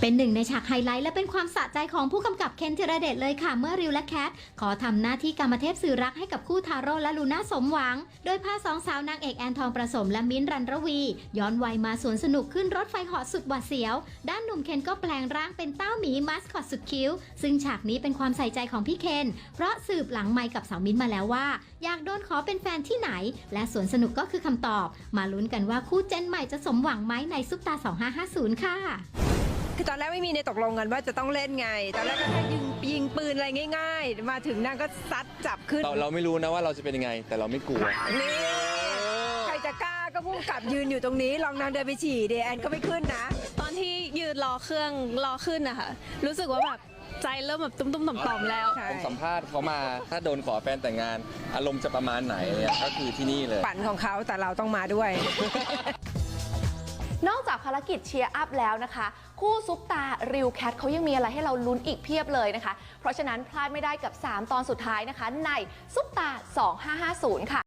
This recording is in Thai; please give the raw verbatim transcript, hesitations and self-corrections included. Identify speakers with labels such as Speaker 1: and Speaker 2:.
Speaker 1: เป็นหนึ่งในฉากไฮไลท์และเป็นความสะใจของผู้กำกับเคนธีรเดชเลยค่ะเมื่อริวและแคทขอทำหน้าที่กรรมเทพสื่อรักให้กับคู่ทาโร่และลูน่าสมหวังโดยพาสองสาวนางเอกแอนทองประสมและมิ้นท์รันรวีย้อนวัยมาสวนสนุกขึ้นรถไฟเหาะสุดหวาดเสียวด้านหนุ่มเคนก็แปลงร่างเป็นเต้าหมีมัสคอตสุดคิ้วซึ่งฉากนี้เป็นความใส่ใจของพี่เคนเพราะสืบหลังไมค์กับสาวมิ้นท์มาแล้วว่าอยากโดนขอเป็นแฟนที่ไหนและสวนสนุกก็คือคำตอบมาลุ้นกันว่าคู่เจนใหม่จะสมหวังไหมในซุปตาสองห้าห้าศูนย์ค่ะ
Speaker 2: คือตอนแรกไม่มีในตกลงกันว่าจะต้องเล่นไงตอนแรกก็แค่ยิงยิงปืนอะไรง่ายๆมาถึงนางก็ซัดจับขึ้น
Speaker 3: เราเราไม่รู้นะว่าเราจะเป็นยังไงแต่เราไม่กลัว
Speaker 2: นี่ใครจะกล้าก็พุ่งกลับยืนอยู่ตรงนี้ลองนางเดินไปฉี่เดแอนก็ไม่ขึ้นนะ
Speaker 4: ตอนที่ยืนรอเครื่องรอขึ้นนะคะรู้สึกว่าแบบใจเริ่มแบบตุ้มๆต่อมๆแล้ว
Speaker 3: ผมสัมภาษณ์เขามาถ้าโดนขอแฟนแต่งงานอารมณ์จะประมาณไหนเนี่ยก็คือที่นี่เลย
Speaker 2: ฝันของเขาแต่เราต้องมาด้วย
Speaker 5: นอกจากภารกิจเชียร์อัพแล้วนะคะคู่ซุปตาริวแคทเขายังมีอะไรให้เราลุ้นอีกเพียบเลยนะคะเพราะฉะนั้นพลาดไม่ได้กับสามตอนสุดท้ายนะคะในซุปตาสองห้าห้าศูนย์ค่ะ